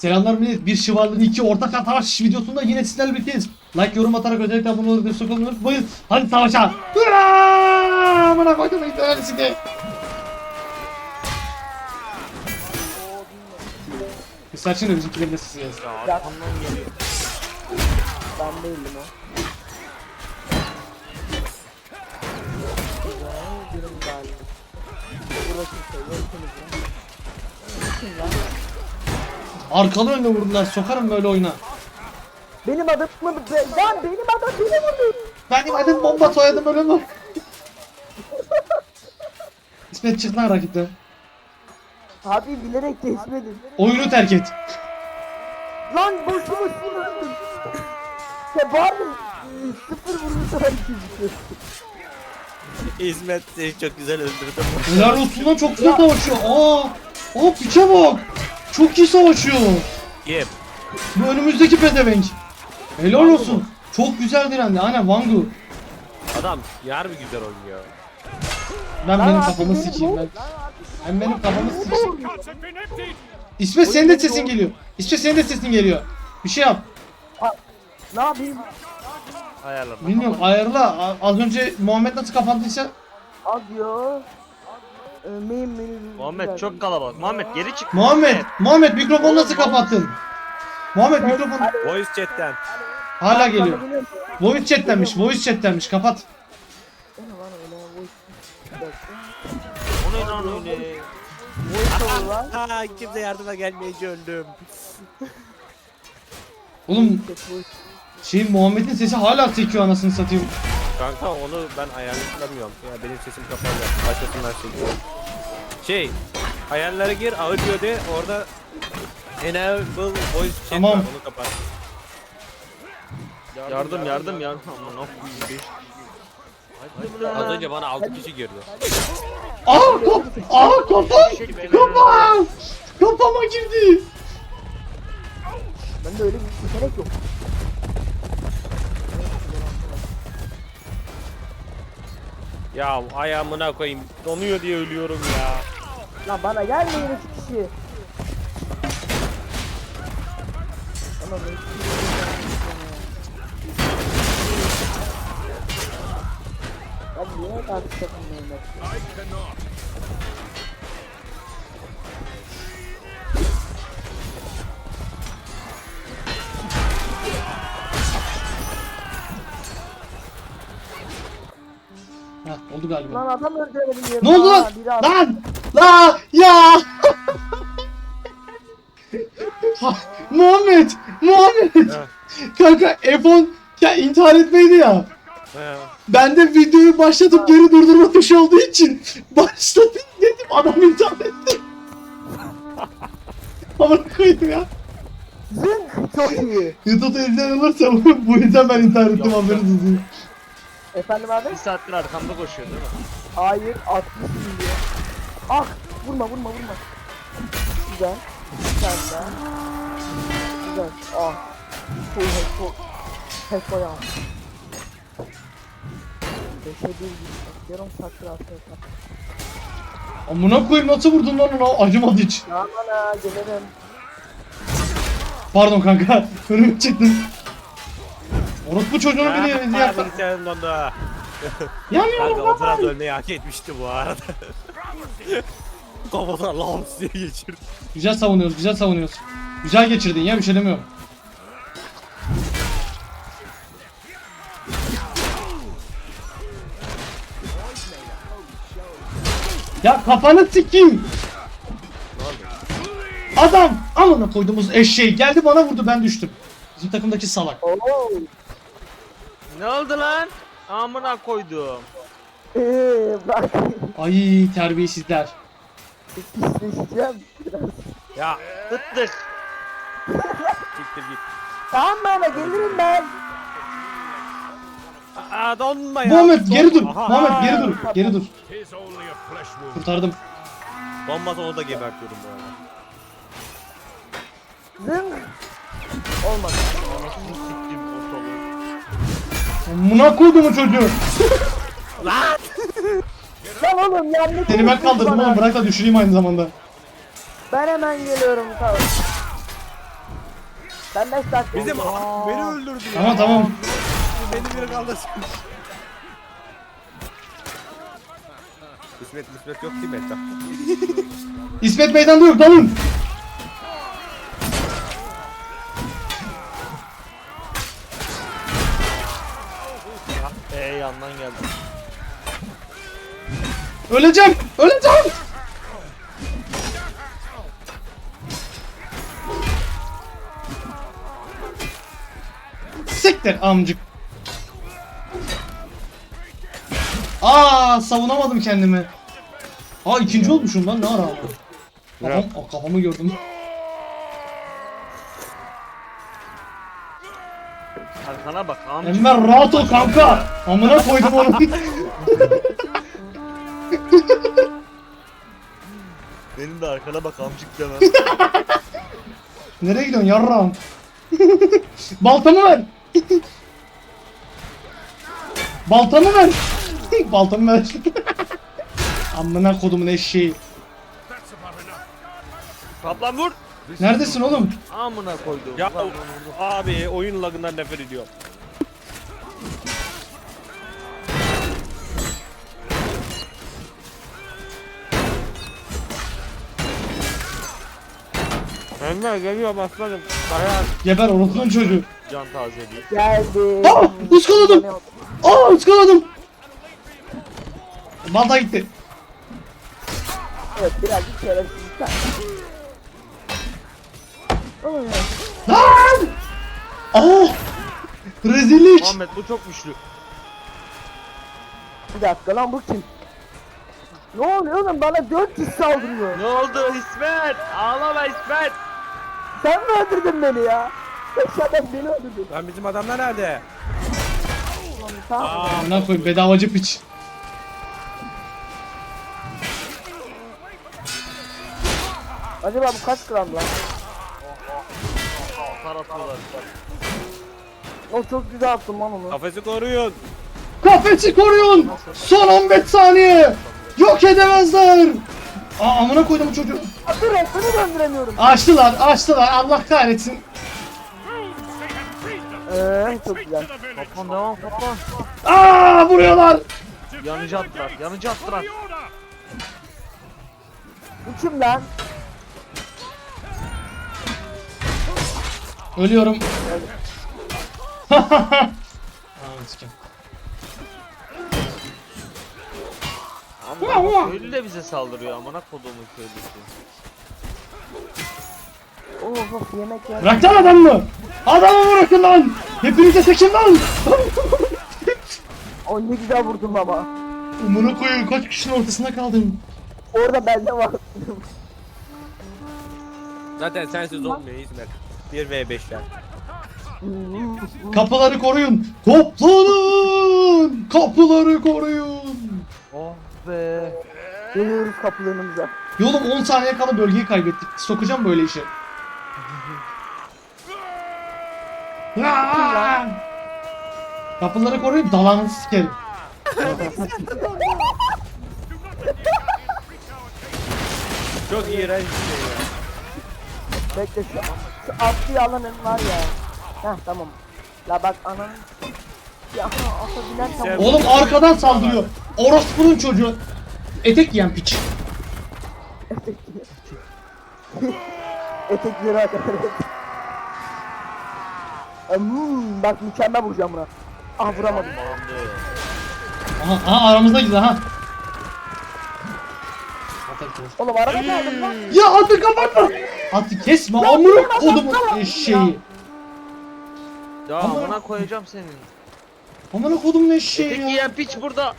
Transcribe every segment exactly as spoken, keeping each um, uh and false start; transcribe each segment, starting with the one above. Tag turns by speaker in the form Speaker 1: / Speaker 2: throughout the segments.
Speaker 1: Selamlar millet. Bir şıvarlığın iki ortak savaş videosunda yine sizlerle birlikteyiz. Like, yorum atarak özellikle abone olup destek olmayı unutmayın. Hadi savaşa. Hurra! Bana koydum internetini de. Mesela şimdi bizimkilerin de sesi gelsin.
Speaker 2: Arkamdan geliyor. Ben değilim o. Güzel, birim galiba. Burası şey, yakınız lan. Kim lan?
Speaker 1: Arkalı önüne vurdular. Sokarım böyle oyuna.
Speaker 2: Benim adım mı? Lan benim adam beni vurdu.
Speaker 1: Benim adım bomba, soyadım öyle mi? İsmet çık lan rakipten.
Speaker 2: Abi bilerek geçmedim.
Speaker 1: Oyunu terk et.
Speaker 2: Lan boşu boşuna öldüm. Ya bari sıfır vurmuş var ikisi.
Speaker 3: İsmet seni çok güzel öldürdü.
Speaker 1: Helal olsun lan, çok güzel savaşıyor. Aa, aa piçe bak. Çok iyi savaşıyor.
Speaker 3: Yep.
Speaker 1: Bu önümüzdeki pezevenk. Helal olsun. Çok güzel direndi. Aynen Wangu.
Speaker 3: Adam yar bir güzel oynuyor.
Speaker 1: Ben
Speaker 2: Lan
Speaker 1: benim
Speaker 2: abi
Speaker 1: kafamı
Speaker 2: beni
Speaker 1: sikeyim
Speaker 2: vur.
Speaker 1: ben. Ben benim kafamı sikeyim. İsmet senin de sesin geliyor. İsmet senin de sesin geliyor. Bir şey yap.
Speaker 2: Ne yapayım?
Speaker 3: Ayarlama.
Speaker 1: Bilmiyorum, ayarla. A- Az önce Muhammed nasıl kapandıysa.
Speaker 2: Az yo. Ölmeyeyim beni.
Speaker 3: Muhammed çok kalabalık. Muhammed geri çık.
Speaker 1: Muhammed, Muhammed mikrofonu nasıl kapattın? Muhammed mikrofon
Speaker 3: Voice chat'ten.
Speaker 1: hala geliyor. Voice chat'tenmiş, voice chat'tenmiş. Kapat.
Speaker 2: O ne lan öyle? Voice- Bir dakika.
Speaker 3: O ne lan öyle?
Speaker 2: Voice over lan.
Speaker 3: Ha kimse yardıma gelmeyince öldüm.
Speaker 1: Oğlum şey, Muhammed'in sesi hala sekiyor anasını satayım.
Speaker 3: Kanka onu ben ayarlayamıyorum. Ya benim sesim kapalı. Başkasından çekiyor. Şey, ayarlara gir, audio de, orada enable voice chat
Speaker 1: Tamam.
Speaker 3: var, onu kapat. Yardım yardım yardım. Aman Az önce bana altı kişi girdi.
Speaker 1: Aa kaf, aa kafam, kafam, kafama girdi.
Speaker 2: Bende öyle bir seçenek yok.
Speaker 3: Ya ayağımına koyayım. Donuyor diye ölüyorum ya.
Speaker 2: Lan bana gelmeyin üç kişi. Tamam üç kişi. Abi niye karşı takımdayım ben?
Speaker 1: Heh, oldu galiba.
Speaker 2: Lan adam öldüremedim yerine.
Speaker 1: Ne oldu lan?
Speaker 2: Aa, biri at-
Speaker 1: Lan! La! Ya! Ha, Muhammed! Muhammed!
Speaker 3: Ha.
Speaker 1: Kanka F on ya intihar etmeydi ya.
Speaker 3: He.
Speaker 1: Ben de videoyu başlatıp geri durdurma tuşu olduğu için başladım dedim, adam intihar etti. Amına koyayım ya.
Speaker 2: Zınk! Çok iyi.
Speaker 1: YouTube'da izleyen olursa bu yüzden ben intihar ettim,
Speaker 3: Yok,
Speaker 1: haberiniz olsun.
Speaker 2: Efendim abi?
Speaker 3: Bir saattir arkamda koşuyor değil mi?
Speaker 2: Hayır altmış milyon. Ah! Vurma vurma vurma. Güzel. Güzel daha. Güzel. Ah. Full head full. Head koyalım. Beşe bir gitmek. Yarım saattir arkadaşlar.
Speaker 1: Amına koyayım, nasıl vurdun lan ona? Acımadı hiç.
Speaker 2: Aman ha gelirim.
Speaker 1: Pardon kanka, önüme çıktın. Orospu çocuğunu
Speaker 3: Ha,
Speaker 1: bile bizi yaptı.
Speaker 3: bilgisayarım dondu.
Speaker 1: Yanıyorum
Speaker 3: Kanka o
Speaker 1: lan.
Speaker 3: biraz ölmeyi hak etmişti bu arada. Kafadan lams diye geçirdi.
Speaker 1: Güzel savunuyoruz, güzel savunuyoruz. Güzel geçirdin ya, bir şey demiyorum. Ya kafanı sikeyim. Adam amına koyduğumuz eşeği geldi bana vurdu, ben düştüm. Bizim takımdaki salak.
Speaker 2: Oo.
Speaker 3: Ne oldu lan? Amına koydum.
Speaker 2: Eee bak.
Speaker 1: Ay terbiyesizler.
Speaker 2: Pisleşeceğim biraz.
Speaker 3: Ya tıttık. Siktir git.
Speaker 2: Tamam bana gelirim ben.
Speaker 3: Aa donma ya.
Speaker 1: Muhammed geri dur.
Speaker 3: Aha.
Speaker 1: Muhammed geri dur. Geri dur. Kurtardım.
Speaker 3: Donmasa onu da gebertiyorum bu arada.
Speaker 2: Zınk. Olmadı.
Speaker 3: Anasını siktim ortalığı.
Speaker 1: Amına koyduğumu çocuğu.
Speaker 3: Lan!
Speaker 2: Lan oğlum yanlış.
Speaker 1: Seni ben kaldırdım
Speaker 2: bana.
Speaker 1: oğlum, bırak da düşüreyim aynı zamanda.
Speaker 2: Ben hemen geliyorum tamam. Ben beş dakika.
Speaker 3: Bizim
Speaker 2: Aa.
Speaker 3: beni öldürdü ya.
Speaker 1: Tamam tamam.
Speaker 3: Beni bir kaldırsın. İsmet İsmet yok değil mi etrafta?
Speaker 1: İsmet meydanda yok, dalın.
Speaker 3: Eee yandan geldi.
Speaker 1: Öleceğim, öleceğim. Siktir amcık. Aa, savunamadım kendimi. Aa, ikinci olmuşum lan, ne ara? Kafam, aa, kafamı gördüm.
Speaker 4: Arkana bak amca.
Speaker 1: Enver rahat ol kanka. Amına koydum onu.
Speaker 4: Benim de arkana bak amcık demem.
Speaker 1: Nereye gidiyorsun yarrağım? Baltamı ver. Baltamı ver. Baltamı ver. Amına kodumun eşeği.
Speaker 4: Kaplan vur.
Speaker 1: Neredesin oğlum?
Speaker 4: Amına koydum.
Speaker 3: Ya
Speaker 4: Kaplan vurdu.
Speaker 3: abi oyun lagından nefret ediyorum. Enver geliyor aslanım. Dayan.
Speaker 1: Geber orospunun çocuğu.
Speaker 4: Can tazeliği.
Speaker 2: Geldi.
Speaker 1: Aa, ıskaladım. Aa, ıskaladım. Balta gitti.
Speaker 2: Evet birazcık şerefsizlikten. Oy.
Speaker 1: Lan! Aa! Rezillik.
Speaker 4: Muhammed bu çok güçlü.
Speaker 2: Bir dakika lan bu kim? Ne oluyor oğlum, bana dört kişi saldırıyor.
Speaker 4: Ne oldu İsmet? Ağlama İsmet.
Speaker 2: Sen mi öldürdün beni ya? Beş adam beni öldürdü.
Speaker 3: Lan bizim adamlar nerede?
Speaker 2: Tamam.
Speaker 1: Amına koyayım, bedavacı piç.
Speaker 2: Acaba bu kaç gram lan?
Speaker 4: Tar atıyorlar.
Speaker 2: O çok güzel attım lan onu.
Speaker 3: Kafesi koruyun.
Speaker 1: Kafesi koruyun. Son on beş saniye. Yok edemezler. Aa, amına koydum bu çocuğu.
Speaker 2: Aa, dur seni döndüremiyorum.
Speaker 1: Açtılar, açtılar. Allah kahretsin.
Speaker 2: Eee çok güzel.
Speaker 4: Kaplan devam kaplan.
Speaker 1: Aa, vuruyorlar.
Speaker 4: Yanıcı attılar. Yanıcı attılar.
Speaker 2: Bu kim lan?
Speaker 1: Ölüyorum. Aa, sikeyim.
Speaker 4: Ama köylü de bize saldırıyor amına kodumun köylüsü.
Speaker 2: Oo of yemek yer.
Speaker 1: Bırak lan adamı. Adamı bırakın lan. Hepinize seçin lan.
Speaker 2: O ne güzel vurdum ama.
Speaker 1: Amına koyayım, kaç kişinin ortasında kaldım.
Speaker 2: Orada bende var.
Speaker 3: Zaten sensiz olmuyor İsmet. bir ve beşler.
Speaker 1: Kapıları koruyun. Toplanın. Kapıları koruyun.
Speaker 4: Oh be.
Speaker 2: Geliyoruz kapılarımıza.
Speaker 1: Yolum on saniye kala bölgeyi kaybettik. Sokacağım böyle işe. Aa! Kapıları koruyun, dalanı sikerim.
Speaker 3: Çok iğrenç bir şey ya.
Speaker 2: Bekle şu, şu atlıyı alanın var ya. Heh tamam. La bak ananın. Ya ata binen tam.
Speaker 1: Oğlum arkadan saldırıyor. Orospu'nun çocuğu. Etek giyen piç.
Speaker 2: Etekleri arkadaşlar. Hmm, bak mükemmel vuracağım buna. Ah vuramadım.
Speaker 4: Alındı.
Speaker 1: Aha, aha aramızda gidiyor ha.
Speaker 2: Oğlum araba kaldım lan.
Speaker 1: Ya atı kapatma. Atı kesme, amına kodumun eşeği.
Speaker 4: Ya
Speaker 1: Ama-
Speaker 4: amına koyacağım senin.
Speaker 1: Amına kodumun eşeği
Speaker 4: Tek
Speaker 1: ya.
Speaker 4: yiyen piç burada.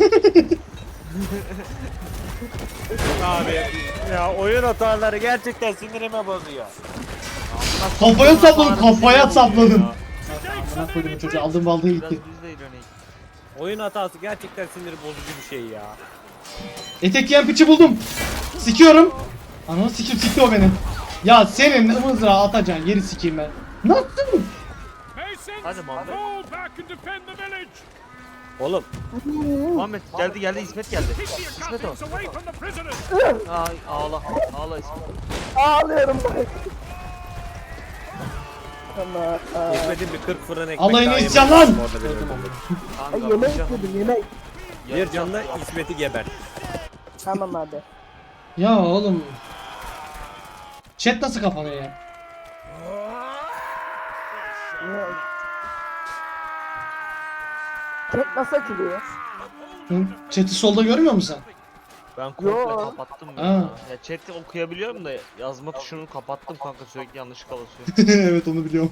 Speaker 3: Abi ya oyun hataları gerçekten sinirime bozuyor.
Speaker 1: Kafaya sapladım, kafaya
Speaker 3: Sinirimi
Speaker 1: sapladım.
Speaker 3: bozuyor ya.
Speaker 1: Amına kodumun çocuğu, aldım baldığı
Speaker 4: Biraz
Speaker 1: gitti.
Speaker 4: biz de ilerleyin.
Speaker 3: Oyun hatası gerçekten sinir bozucu bir şey ya.
Speaker 1: Etek giyen piçi buldum. Sikiyorum. Ananı sikim, sikti o beni. Ya senin mızrağı atacaksın, yeri sikeyim ben. Nasıl?
Speaker 4: Hadi Muhammed.
Speaker 3: Oğlum
Speaker 4: Muhammed geldi geldi İsmet geldi. İsmet o. Ay ağla ağla İsmet.
Speaker 2: Ağlıyorum bak. Tamam. Aa,
Speaker 3: İsmet'in bir kırk fırın ekmek
Speaker 1: Alayını
Speaker 3: daha
Speaker 1: içeceğim
Speaker 3: yemesi
Speaker 1: lan.
Speaker 3: lazım orada bir
Speaker 1: Öldüm
Speaker 3: öldürdüm.
Speaker 2: Ay,
Speaker 4: Kanka
Speaker 2: yemek
Speaker 4: bir can-
Speaker 2: istedim yemek.
Speaker 3: Bir canla İsmet'i geber.
Speaker 2: Tamam abi.
Speaker 1: Ya oğlum. Chat nasıl kapanıyor ya?
Speaker 2: Ne? Chat nasıl açılıyor?
Speaker 1: Hı? Chat'i solda görmüyor musun
Speaker 4: Ben komple
Speaker 2: Yo.
Speaker 4: kapattım
Speaker 1: Ha.
Speaker 4: ya. Ya chat'i okuyabiliyorum da yazma tuşunu kapattım kanka, sürekli yanlışlıkla basıyor.
Speaker 1: sen? Evet onu biliyorum.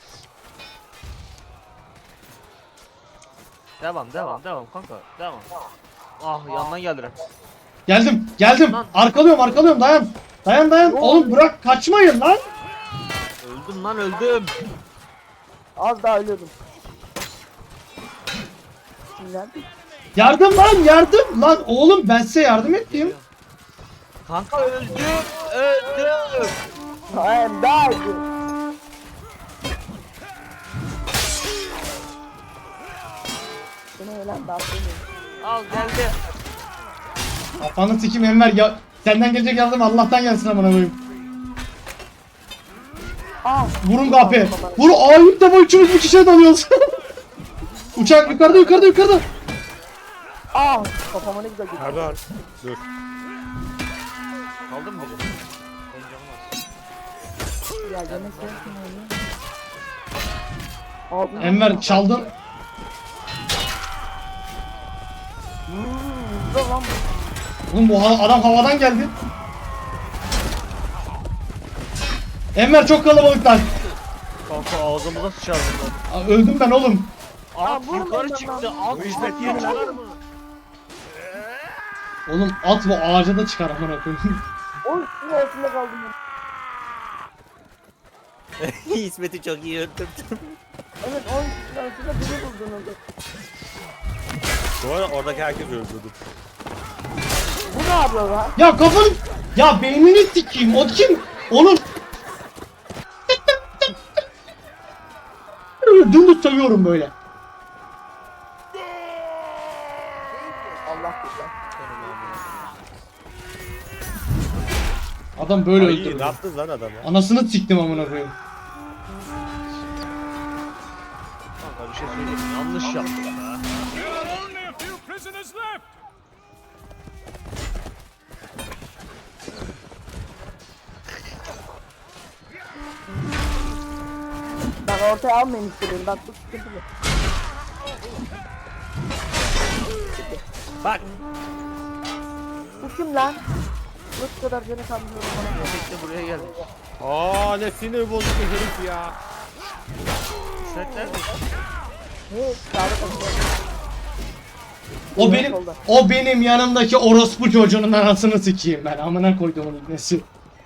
Speaker 4: Devam devam devam kanka devam. Ah yandan geldiler.
Speaker 1: Geldim, geldim.
Speaker 4: Lan.
Speaker 1: Arkalıyorum, arkalıyorum. Dayan. Dayan, dayan.
Speaker 2: Ne
Speaker 1: Oğlum
Speaker 2: oluyor?
Speaker 1: bırak, kaçmayın lan.
Speaker 4: Öldüm lan öldüm.
Speaker 2: Az daha ölüyordum. Kimler?
Speaker 1: Yardım lan, yardım. Lan oğlum ben size yardım ettim.
Speaker 4: Kanka öldüm öldüm.
Speaker 2: Hayır daha iyi. Bu ne lan daha söyleyeyim.
Speaker 4: Al geldi.
Speaker 1: Kafanı sikim Enver ya. Senden gelecek yardım Allah'tan gelsin amına koyayım.
Speaker 2: Ah.
Speaker 1: Vurun kapı. Vur. Aa ilk defa üçümüz bir kişiye dalıyoruz. Uçak yukarıda, yukarıda, yukarıda.
Speaker 2: Ah. Kafama ne güzel gitti.
Speaker 3: Pardon. Dur.
Speaker 4: Aldın mı biri? Benim canım az.
Speaker 2: Ya yemek yersin öyle. Aldın.
Speaker 1: Enver çaldın.
Speaker 2: Hmm, güzel lan bu.
Speaker 1: Oğlum bu ha- adam havadan geldi. Enver çok kalabalıklar.
Speaker 4: Kanka ağzımıza sıçardım lan.
Speaker 1: Aa, öldüm ben oğlum.
Speaker 4: At
Speaker 2: vurma
Speaker 4: yukarı
Speaker 2: lan
Speaker 4: çıktı.
Speaker 2: lan.
Speaker 4: At İsmet yeni çıkar mı?
Speaker 1: Oğlum at bu ağaca da çıkar amına koyayım.
Speaker 2: Oy şunun altında kaldım ben.
Speaker 3: İsmet'i çok iyi öldürdüm.
Speaker 2: Evet on şunun altında biri buldun orada.
Speaker 3: Bu arada oradaki herkes öldürdü.
Speaker 2: Bu ne yapıyor lan?
Speaker 1: Ya kafanı... Ya beynini sikeyim. O kim? Onun... Dümdüz seviyorum böyle.
Speaker 2: Allah güzel.
Speaker 1: Adam böyle
Speaker 3: Ay,
Speaker 1: öldürdü.
Speaker 3: ne yaptınız lan adamı?
Speaker 1: Anasını siktim amına koyayım.
Speaker 4: Kanka bir şey söyleyeyim mi? Yanlış yaptım ha.
Speaker 5: There are only a few prisoners left.
Speaker 2: Ben ortaya almayayım istedim. Bak bu sıkıntılı.
Speaker 3: Bak.
Speaker 2: Bu kim lan? Bu kadar canı kalmıyorum bana.
Speaker 4: İsmet de buraya geldi.
Speaker 3: Aa ne sinir bozucu herif ya.
Speaker 4: İsmet nerede?
Speaker 2: Hey, sağda kalıyor.
Speaker 1: O benim
Speaker 2: solda.
Speaker 1: o benim yanımdaki orospu çocuğunun anasını sikeyim ben. Amına koyduğumun ibnesi.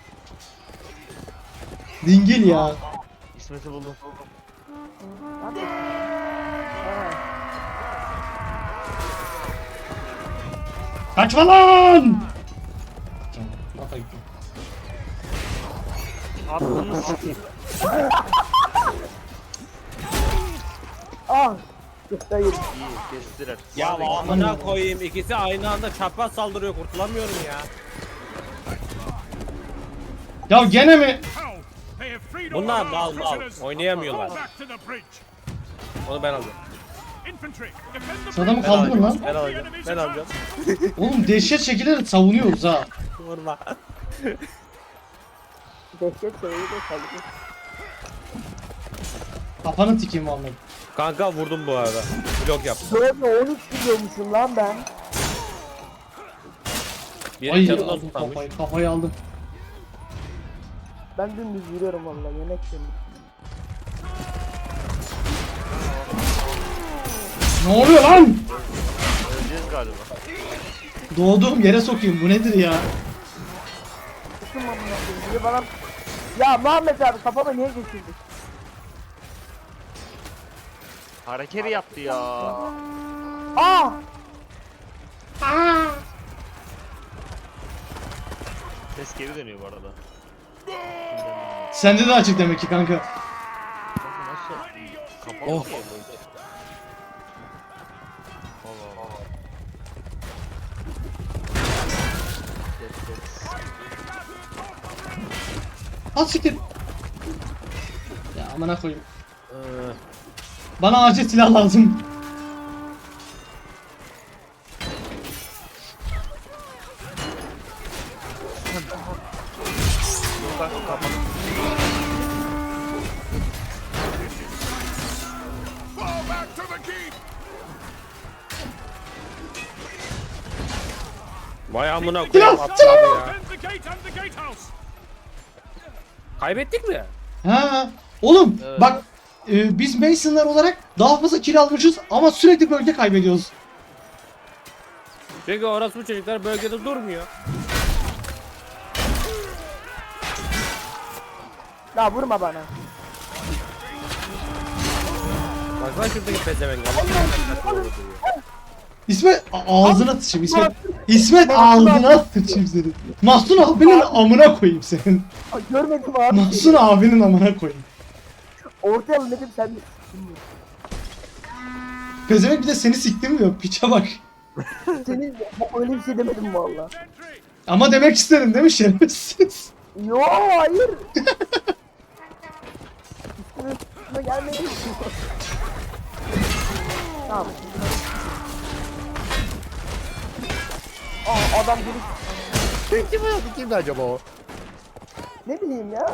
Speaker 1: Dingil ya.
Speaker 4: İsmet'i buldum.
Speaker 2: Ne yapıyorsun? Ha.
Speaker 1: Kaçma lan! Bata gittim.
Speaker 4: Aklını sikeyim.
Speaker 2: Ah! Hayır.
Speaker 4: İyi kestiler.
Speaker 3: Ya
Speaker 4: Hadi.
Speaker 3: amına koyayım, ikisi aynı anda çapraz saldırıyor, kurtulamıyorum ya.
Speaker 1: Ya gene mi?
Speaker 5: How? They have freed
Speaker 3: Bunlar
Speaker 5: all our
Speaker 3: mal mal,
Speaker 5: prisoners.
Speaker 3: oynayamıyorlar.
Speaker 5: Go back to the bridge.
Speaker 3: Onu ben alacağım.
Speaker 5: Infantry, defend the
Speaker 1: Şu adamı
Speaker 5: bridge.
Speaker 3: Ben
Speaker 1: kaldırın
Speaker 3: alacağım,
Speaker 1: lan.
Speaker 3: ben alacağım, ben alacağım.
Speaker 1: Oğlum dehşet şekilde savunuyoruz ha.
Speaker 3: Vurma.
Speaker 2: Dehşet seviyeyi de kaldı.
Speaker 1: Kafanı tikeyim vallahi.
Speaker 3: Kanka vurdum bu arada. Blok yaptım.
Speaker 2: Böyle on üç gidiyormuşum lan ben.
Speaker 3: Biri
Speaker 1: Ay
Speaker 3: canından
Speaker 1: aldım
Speaker 3: tutanmış.
Speaker 1: kafayı, kafayı aldım.
Speaker 2: Ben dümdüz yürüyorum valla yemek yemek.
Speaker 1: Ne oluyor lan?
Speaker 4: Öleceğiz galiba.
Speaker 1: Doğduğum yere sokayım bu nedir ya?
Speaker 2: Bütün amına koyayım. Biri bana... Ya Muhammed abi kafama niye geçirdin?
Speaker 4: Hareketi yaptı ya.
Speaker 2: Ah!
Speaker 4: Ses geri dönüyor bu arada.
Speaker 1: Sende de açık demek ki kanka.
Speaker 4: Kanka nasıl? Kapalı
Speaker 3: Of.
Speaker 4: mı böyle? Allah Allah. Yes, yes.
Speaker 1: Al siktir. Ya Amına koyayım.
Speaker 3: Ee,
Speaker 1: Bana acil silah lazım.
Speaker 5: Fall back to the keep.
Speaker 3: Vay amına koyayım
Speaker 1: Silah,
Speaker 3: atladı ya.
Speaker 5: Defend the gate and the gatehouse.
Speaker 3: Kaybettik mi?
Speaker 1: Ha. Oğlum
Speaker 3: Evet.
Speaker 1: bak e, biz Mason'lar olarak daha fazla kill almışız ama sürekli bölge kaybediyoruz.
Speaker 3: Çünkü orası bu çocuklar bölgede durmuyor.
Speaker 2: Ya vurma bana.
Speaker 3: Baksana şuradaki pezevenk.
Speaker 1: İsmet a- ağzına sıçayım İsmet. İsmet ağzına sıçayım senin. Mahsun abinin amına koyayım senin.
Speaker 2: Aa, görmedim abi.
Speaker 1: Mahsun abinin amına koyayım.
Speaker 2: Ortaya alın dedim sen de.
Speaker 1: Pezevenk bir de seni siktim diyor. Piça bak.
Speaker 2: Senin öyle bir şey demedim valla.
Speaker 5: Infantry.
Speaker 1: Ama demek isterim değil mi şerefsiz?
Speaker 2: Yo hayır. Üstüne üstüne gelmeyin. Tamam. Aa adam gelip
Speaker 4: Kim o? Kimdi acaba o?
Speaker 2: ne bileyim ya.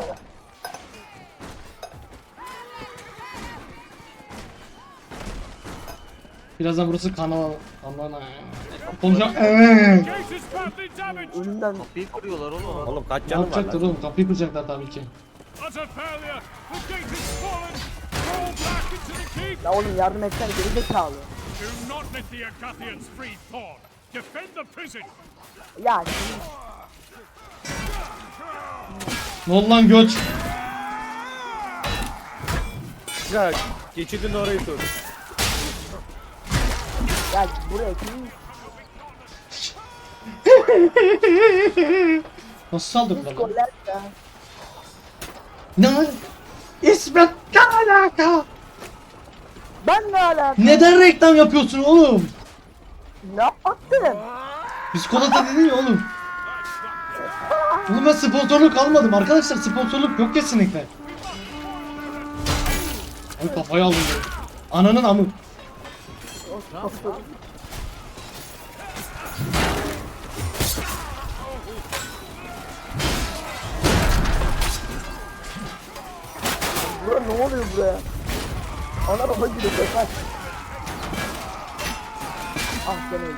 Speaker 1: Birazdan burası kanal. Allah'ına. Konuşacağım. Evet.
Speaker 5: Gate is badly damaged.
Speaker 2: Önümden
Speaker 4: Bir kuruyorlar oğlum.
Speaker 3: Oğlum kaç
Speaker 1: Ne
Speaker 3: canım var
Speaker 1: yapacaklar
Speaker 3: lan?
Speaker 1: oğlum? Kapıyı kıracaklar tabii ki.
Speaker 5: Utter failure. The gate is fallen. Roll back into the keep.
Speaker 2: ya oğlum yardım etsene geri zekalı.
Speaker 5: Do not let the Agathians free Thorn. Defend the prison.
Speaker 2: Ya şimdi
Speaker 1: Ne oldu lan göç?
Speaker 3: Ya geçidin orayı tut.
Speaker 2: ya buraya kim?
Speaker 1: Nasıl saldırdılar lan?
Speaker 2: Goller ya.
Speaker 1: Ne? İsmet ne alaka?
Speaker 2: Ben ne alaka?
Speaker 1: Neden reklam yapıyorsun oğlum?
Speaker 2: Ne yaptın?
Speaker 1: Biskolata dedin ya oğlum. Oğlum ben sponsorluk almadım arkadaşlar, sponsorluk yok kesinlikle. Ay kafayı aldım ya. Ananın amı.
Speaker 2: Bura ne oluyor buraya? Ana baba gibi kaç. Ah ben öldüm.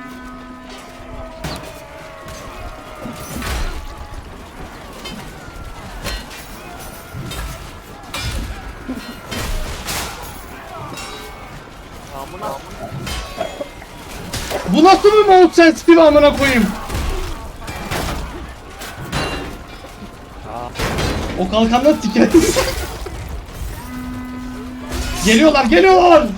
Speaker 1: Bu nasıl bir mount sensitive amına koyayım? O kalkandan sikeriz. Geliyorlar, geliyorlar.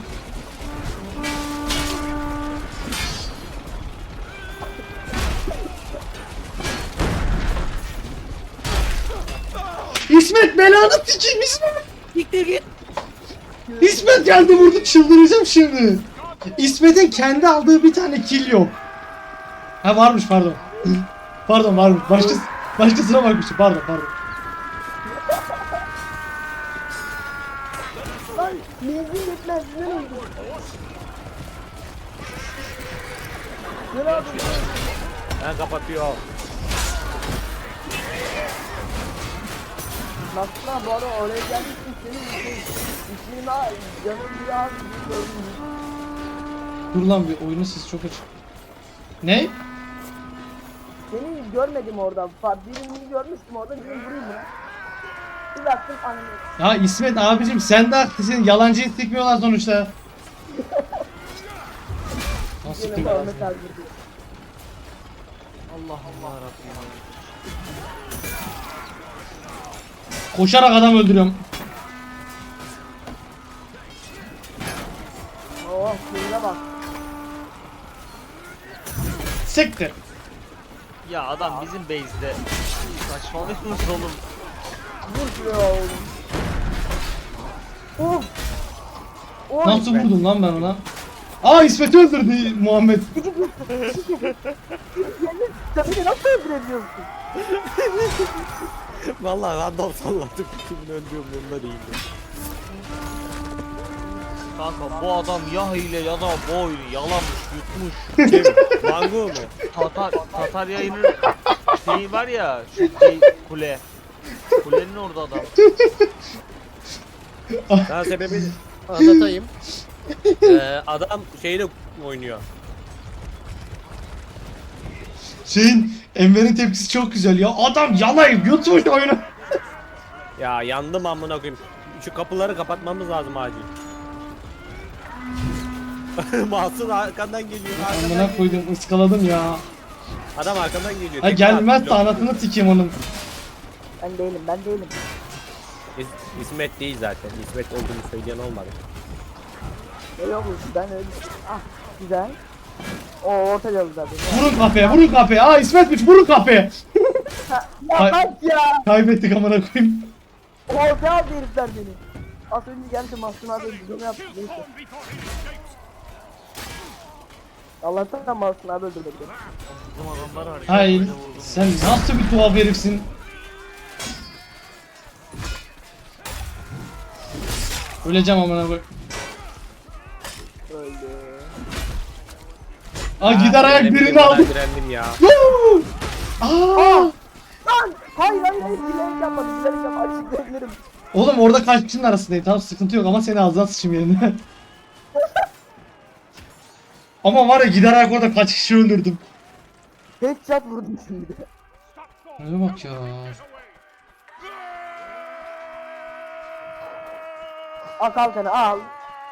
Speaker 1: İsmet belanı sikeyim İsmet.
Speaker 3: Gittir git.
Speaker 1: İsmet geldi vurdu, çıldıracağım şimdi. İsmet'in kendi aldığı bir tane kill yok. Ha varmış pardon. Pardon varmış. Başka, başkasına bakmışım pardon pardon.
Speaker 2: Lan menzil yetmez ne oldu? Ne yapıyorsun?
Speaker 3: Ben kapatıyor.
Speaker 2: Nasıl bu arada oraya gelmişsin senin için. İsmini al, canım bir az gördüm.
Speaker 1: Dur lan bir oyunun sesi çok açık. Ne?
Speaker 2: Seni görmedim orada. Fa- Birini görmüştüm orada. Birini vurayım mı? Bir baktım anne.
Speaker 1: Ya İsmet abicim sen de haklısın. Yalancıyı sikmiyorlar sonuçta. Nasıl
Speaker 2: Yine
Speaker 1: sikmiyorlar?
Speaker 2: Muhammed abi diyor.
Speaker 4: Allah Allah Rabbim.
Speaker 1: Koşarak adam öldürüyorum.
Speaker 2: Oh şuraya bak.
Speaker 1: Siktir.
Speaker 4: Ya adam bizim base'de. Saçmalıyorsunuz oğlum.
Speaker 2: Vur şuraya oğlum. Of. Oy.
Speaker 1: Nasıl vurdum lan ben ona? Aa İsmet'i öldürdü Muhammed.
Speaker 2: Sen beni nasıl öldürebiliyorsun?
Speaker 3: Vallahi random salladım. Kimin öldüğü umurumda değildi.
Speaker 4: Kanka bu adam ya hile ya da bu oyunu yalamış, yutmuş.
Speaker 3: Kim? Mango mu?
Speaker 4: Tatar, Tatar yayının şeyi var ya, şu şey, kule. Kulenin orada adam.
Speaker 3: Ben sebebi anlatayım. Ee, adam şeyle oynuyor.
Speaker 1: Şeyin Enver'in tepkisi çok güzel ya. Adam yalayıp yutmuş oyunu.
Speaker 3: Ya yandım amına koyayım. Şu kapıları kapatmamız lazım acil. Mahsun arkandan geliyor. Arkandan
Speaker 1: Amına
Speaker 3: geliyor.
Speaker 1: koydum ıskaladım ya.
Speaker 3: Adam arkandan geliyor.
Speaker 1: Ha
Speaker 3: Tek
Speaker 1: gelmez de
Speaker 3: blok.
Speaker 1: anasını sikeyim onun.
Speaker 2: Ben değilim ben değilim.
Speaker 3: İs- İsmet değil zaten. İsmet olduğunu söyleyen olmadı.
Speaker 2: Ne yok ben öyle. Ah güzel. O orta yolu zaten.
Speaker 1: Vurun kafaya vurun kafaya. Aa İsmet'miş vurun kafaya.
Speaker 2: Ya
Speaker 1: Hay-
Speaker 2: bak ya.
Speaker 1: Kaybettik amına koyayım.
Speaker 2: Orta aldı herifler beni. Az önce geldi Mahsun abi öldürdü. Ne yaptı neyse.
Speaker 5: Form before he escapes.
Speaker 2: Allah'tan Mahsun abi öldürdü beni.
Speaker 4: Bizim adamlar var.
Speaker 1: Hayır.
Speaker 4: Böyle vurdu.
Speaker 1: Sen nasıl bir tuhaf herifsin. Öleceğim amına koyayım.
Speaker 2: Öldü.
Speaker 1: Aa gider ayak
Speaker 3: direndim,
Speaker 1: birini
Speaker 3: ben
Speaker 1: aldı.
Speaker 3: Direndim ya.
Speaker 1: Woo! Aa!
Speaker 2: Lan! Hayır hayır hayır bilerek yapmadım bilerek yapmadım açıklayabilirim.
Speaker 1: Oğlum orada kaç kişinin arasındayım. Tamam sıkıntı yok ama seni ağzına sıçayım yerine. Ama var ya gider ayak orada kaç kişi öldürdüm.
Speaker 2: Headshot vurdum şimdi.
Speaker 1: Öyle bak ya.
Speaker 2: Al kalkanı al.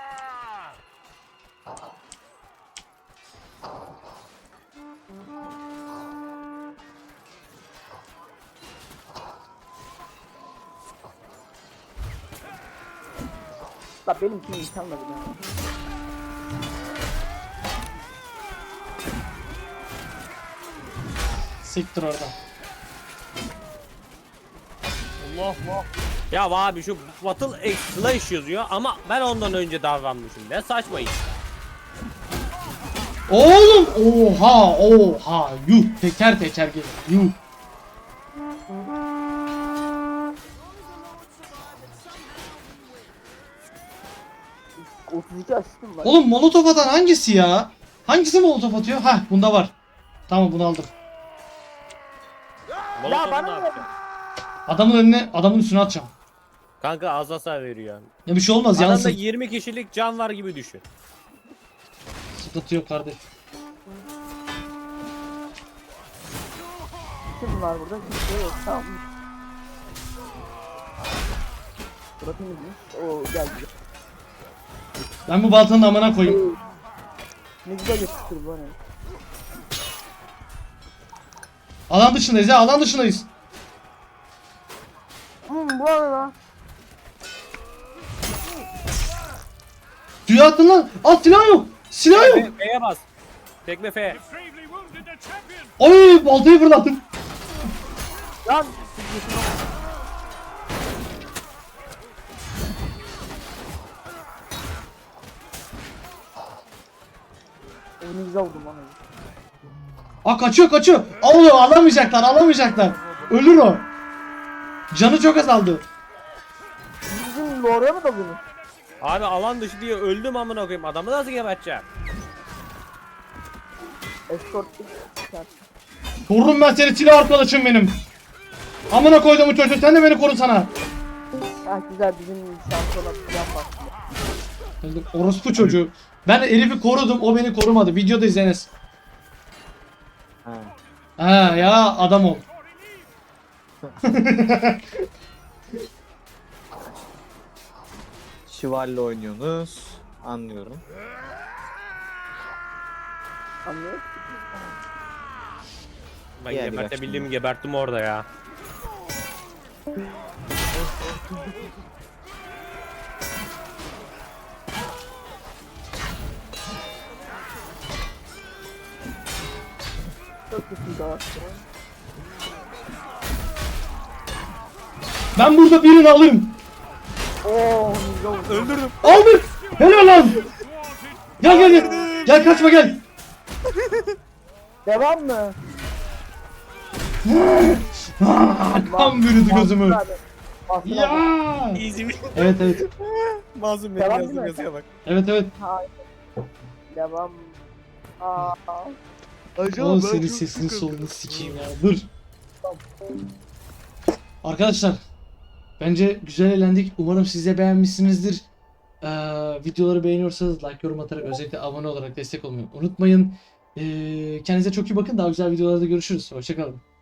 Speaker 2: La benimki imkanla bile.
Speaker 1: Siktir oradan.
Speaker 4: Allah Allah.
Speaker 3: Ya abi şu Battle Slash yazıyor ama ben ondan önce davranmışım. Ne saçma iş.
Speaker 1: Oğlum oha oha yuh teker teker gelir yuh.
Speaker 2: otuz iki asistim var.
Speaker 1: Oğlum molotof atan hangisi ya? Hangisi molotof atıyor? Hah bunda var. Tamam bunu aldım.
Speaker 3: Molotov'u
Speaker 2: bana
Speaker 3: ne
Speaker 2: ne?
Speaker 3: yapacağım?
Speaker 1: Adamın önüne adamın üstüne atacağım.
Speaker 3: Kanka az hasar veriyor.
Speaker 1: Ya bir şey olmaz
Speaker 3: Adamda
Speaker 1: yansın.
Speaker 3: yirmi kişilik can var gibi düşün.
Speaker 1: Sıkıntı yok kardeş.
Speaker 2: Kim var burada? Kimse yok. Tamam. Burası temizmiş. Oo geldi.
Speaker 1: Ben bu baltanın amına koyayım.
Speaker 2: Ne güzel yapıştır bu ne?
Speaker 1: Alan dışındayız ya alan dışındayız.
Speaker 2: Hmm bu ne lan?
Speaker 1: Suya attın lan. At silah yok. Silah yok.
Speaker 3: F- F'ye bas. Tekme F.
Speaker 5: You've gravely wounded the champion.
Speaker 1: Ay baltayı fırlattım.
Speaker 2: Lan! O ne güzel vurdum lan.
Speaker 1: Aa kaçıyor kaçıyor. Oğlum alamayacaklar alamayacaklar. Ölür o. Canı çok azaldı.
Speaker 2: Bizim oraya mı dalıyorsunuz?
Speaker 3: Abi alan dışı diye öldüm amına koyayım. Adamı nasıl geberteceğim?
Speaker 2: Escort
Speaker 1: Korurum ben seni silah arkadaşım benim. Amına koydum bu çocuğu sen de beni koru sana.
Speaker 2: Ah güzel bizim şansına plan var.
Speaker 1: Öldüm, orospu çocuğu. Ben herifi korudum o beni korumadı. Videoda izleniz. Ha ya adam ol.
Speaker 6: Şivalle oynuyorsunuz. Anlıyorum.
Speaker 2: Anlıyor?
Speaker 3: Ben
Speaker 6: Yani
Speaker 3: gebertebildiğimi geberttim orada ya.
Speaker 2: Çok kötü daha.
Speaker 1: Ben burada birini alırım.
Speaker 2: Oo ne güzel vurdum.
Speaker 3: Öldürdüm.
Speaker 1: Aldık. Helal lan. Gel gel gel. Gel kaçma gel.
Speaker 2: Devam mı?
Speaker 1: Aa, kan bürüdü gözümü.
Speaker 2: Mahsun abi. Mahsun abi.
Speaker 1: Ya.
Speaker 3: Easy mi?
Speaker 1: Evet evet.
Speaker 3: Mazlum benim
Speaker 2: Devam
Speaker 3: yazdığım
Speaker 2: değil mi?
Speaker 3: yazıya bak.
Speaker 1: Evet evet.
Speaker 2: Hayır. Devam. Aa.
Speaker 1: Oğlum senin sesini solunu sikeyim ya. Dur. Arkadaşlar. Bence güzel eğlendik. Umarım siz de beğenmişsinizdir. Ee, videoları beğeniyorsanız like, yorum atarak, özellikle abone olarak destek olmayı unutmayın. Ee, kendinize çok iyi bakın. Daha güzel videolarda görüşürüz. Hoşçakalın.